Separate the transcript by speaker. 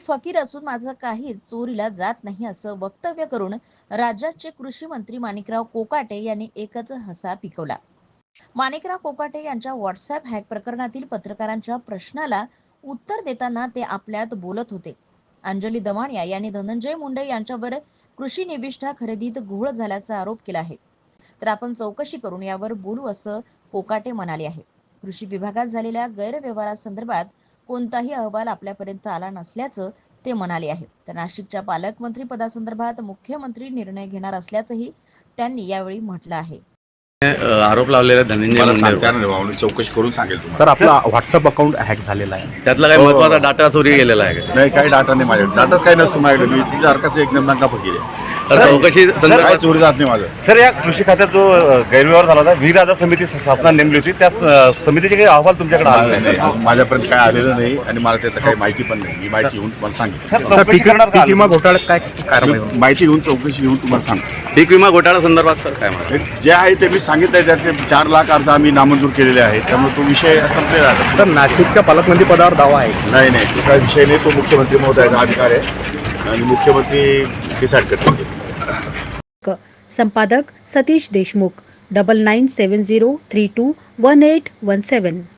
Speaker 1: फकीर असून माझं काहीच चोरीला जात नाही असं वक्तव्य करून राज्याचे कृषी मंत्री माणिकराव कोकाटे यांनी एकच हसा पिकवला. माणिकराव कोकाटे यांच्या व्हॉट्सअप हॅक प्रकरणातील पत्रकारांच्या प्रश्नाला उत्तर देताना ते आपल्यात बोलत होते. अंजली दमानिया यांनी धनंजय मुंडे यांच्यावर कृषी निविष्ठा खरेदीत घोळ झाल्याचा आरोप केला आहे. तर आपण चौकशी करून यावर बोलू असं कोकाटे म्हणाले आहे. कृषी विभागात झालेल्या गैरव्यवहारासंदर्भात कोणताही अहवाल आपल्यापर्यंत आला नसल्याचं ते म्हणाले आहे. तर नाशिकच्या पालकमंत्री पदासंदर्भात मुख्यमंत्री निर्णय घेणार असल्याचंही त्यांनी यावेळी म्हटलं आहे.
Speaker 2: आरोप लावलेला धनंजय
Speaker 3: मुंडे चौकशी करून सांगेल तुम्हाला.
Speaker 4: सर, आपला व्हॉट्सअप अकाउंट हॅक झालेला आहे,
Speaker 2: त्यातला काही महत्त्वाचा डाटा चोरी गेलेला आहे का?
Speaker 3: नाही, काही डाटा नाही माझ्याकडे. डाटाच काही नसतो माझ्याकडे. मी तुझ्यासारखाच एकदम नका फकीर आहे.
Speaker 2: चौकशी
Speaker 3: काही
Speaker 2: संदर्भात
Speaker 3: चोरी जात नाही माझं.
Speaker 4: सर. या कृषी खात्यात जो गैरव्यवहार झाला होता, व्ही राजा समिती शासनाने नेमली होती, त्या समितीचे काही अहवाल तुमच्याकडे आले
Speaker 3: नाही, माझ्यापर्यंत काय आलेलं नाही आणि मला त्याचं काही माहिती पण नाही. मी माहिती घेऊन तुम्हाला सांगितलं.
Speaker 4: पीक विमा घोटाळ्यात काय कारवाई होईल?
Speaker 3: माहिती घेऊन चौकशी घेऊन तुम्हाला सांगतो.
Speaker 2: पीक विमा घोटाळा संदर्भात सर काय म्हणतात?
Speaker 3: जे आहे ते मी सांगितलंय. त्याचे 4 लाख अर्ज आम्ही नामंजूर केलेले आहेत. त्यामुळे तो विषय संपलेला आहे.
Speaker 4: सर, नाशिकच्या पालकमंत्री पदावर दावा आहे?
Speaker 3: नाही, तो काही विषय नाही. तो मुख्यमंत्री महोदयाचा अधिकार आहे आणि मुख्यमंत्री डिसाईड करतील.
Speaker 5: संपादक सतीश देशमुख 9970321817